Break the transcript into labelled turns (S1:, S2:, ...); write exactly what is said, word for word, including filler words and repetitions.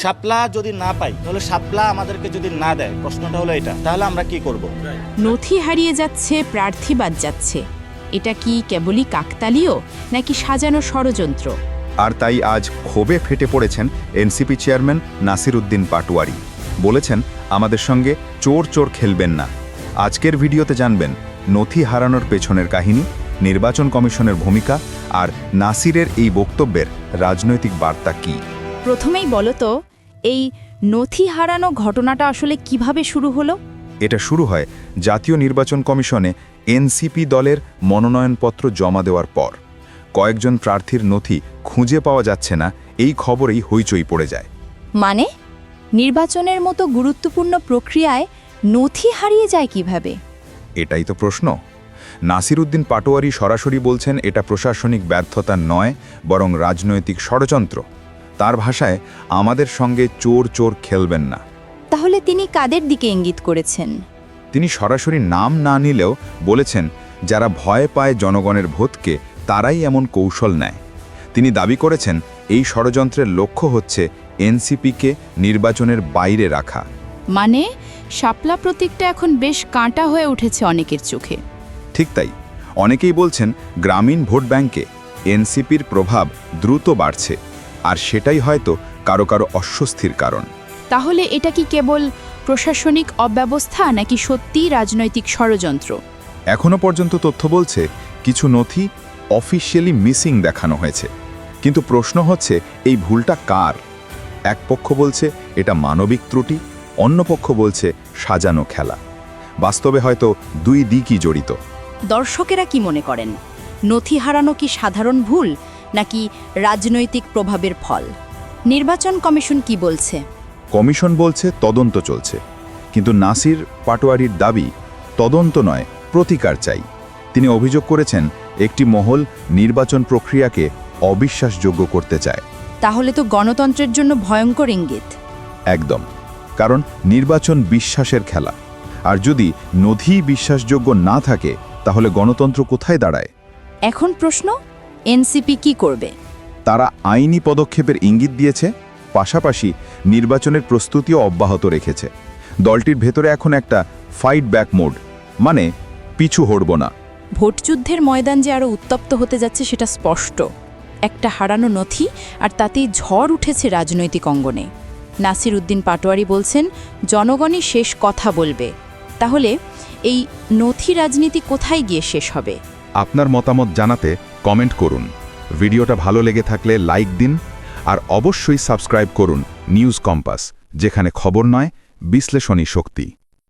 S1: শাপলা যদি না পাই তাহলে শাপলা আমাদেরকে যদি না দেয়, প্রশ্নটা হলো এটা, তাহলে আমরা কি করব?
S2: নথি হারিয়ে যাচ্ছে, প্রার্থী বাদ যাচ্ছে, এটা কি কেবলই কাকতালীয় নাকি সাজানো ষড়যন্ত্র?
S3: আর তাই আজ ক্ষোভে ফেটে পড়েছেন এনসিপি চেয়ারম্যান নাসির উদ্দিন পাটোয়ারি। বলেছেন, আমাদের সঙ্গে চোর চোর খেলবেন না। আজকের ভিডিওতে জানবেন নথি হারানোর পেছনের কাহিনী, নির্বাচন কমিশনের ভূমিকা আর নাসিরের এই বক্তব্যের রাজনৈতিক বার্তা কী।
S2: প্রথমেই বলো তো, এই নথি হারানো ঘটনাটা আসলে কিভাবে শুরু হলো?
S3: এটা শুরু হয় জাতীয় নির্বাচন কমিশনে এনসিপি দলের মনোনয়নপত্র জমা দেওয়ার পর। কয়েকজন প্রার্থীর নথি খুঁজে পাওয়া যাচ্ছে না, এই খবরেই হইচই পড়ে যায়।
S2: মানে নির্বাচনের মতো গুরুত্বপূর্ণ প্রক্রিয়ায় নথি হারিয়ে যায় কিভাবে?
S3: এটাই তো প্রশ্ন। নাসির উদ্দিন পাটোয়ারি সরাসরি বলছেন, এটা প্রশাসনিক ব্যর্থতা নয়, বরং রাজনৈতিক ষড়যন্ত্র। তার ভাষায়, আমাদের সঙ্গে চোর চোর খেলবেন না।
S2: তাহলে তিনি কাদের দিকে ইঙ্গিত করেছেন?
S3: তিনি সরাসরি নাম না নিলেও বলেছেন, যারা ভয় পায় জনগণের ভোটকে তারাই এমন কৌশল নেয়। তিনি দাবি করেছেন, এই ষড়যন্ত্রের লক্ষ্য হচ্ছে এনসিপিকে নির্বাচনের বাইরে রাখা।
S2: মানে শাপলা প্রতীকটা এখন বেশ কাঁটা হয়ে উঠেছে অনেকের চোখে।
S3: ঠিক তাই। অনেকেই বলছেন, গ্রামীণ ভোট ব্যাংকে এনসিপির প্রভাব দ্রুত বাড়ছে, আর সেটাই হয়তো কারো কারো অস্বস্তির কারণ।
S2: তাহলে এটা কি কেবল প্রশাসনিক অব্যবস্থা নাকি সত্যিই রাজনৈতিক ষড়যন্ত্র?
S3: এখনও পর্যন্ত তথ্য বলছে কিছু নথি অফিসিয়ালি মিসিং দেখানো হয়েছে, কিন্তু প্রশ্ন হচ্ছে এই ভুলটা কার? এক পক্ষ বলছে এটা মানবিক ত্রুটি, অন্য পক্ষ বলছে সাজানো খেলা। বাস্তবে হয়তো দুই দিকই জড়িত।
S2: দর্শকেরা কি মনে করেন, নথি হারানো কি সাধারণ ভুল নাকি রাজনৈতিক প্রভাবের ফল? নির্বাচন কমিশন কি বলছে?
S3: কমিশন বলছে তদন্ত চলছে, কিন্তু নাসির পাটোয়ারির দাবি তদন্ত নয়, প্রতিকার চাই। তিনি অভিযোগ করেছেন, একটি মহল নির্বাচন প্রক্রিয়াকে অবিশ্বাসযোগ্য করতে চায়।
S2: তাহলে তো গণতন্ত্রের জন্য ভয়ঙ্কর ইঙ্গিত।
S3: একদম, কারণ নির্বাচন বিশ্বাসের খেলা, আর যদি নথি বিশ্বাসযোগ্য না থাকে তাহলে গণতন্ত্র কোথায় দাঁড়ায়?
S2: এখন প্রশ্ন, এনসিপি কি করবে?
S3: তারা আইনি পদক্ষেপের ইঙ্গিত দিয়েছে, পাশাপাশি নির্বাচনের প্রস্তুতিও অব্যাহত রেখেছে। দলটির ভেতরে এখন একটা ফাইট ব্যাক মোড, মানে পিছু হটব না।
S2: ভোটযুদ্ধের ময়দান যে আরও উত্তপ্ত হতে যাচ্ছে সেটা স্পষ্ট। একটা হারানো নথি, আর তাতেই ঝড় উঠেছে রাজনৈতিক অঙ্গনে। নাসির উদ্দিন পাটোয়ারি বলছেন, জনগণই শেষ কথা বলবে। তাহলে এই নথি রাজনীতি কোথায় গিয়ে শেষ হবে?
S3: আপনার মতামত জানাতে কমেন্ট করুন। ভিডিওটা ভালো লেগে থাকলে লাইক দিন, আর অবশ্যই সাবস্ক্রাইব করুন নিউজ কম্পাস, যেখানে খবর নয়, বিশ্লেষণী শক্তি।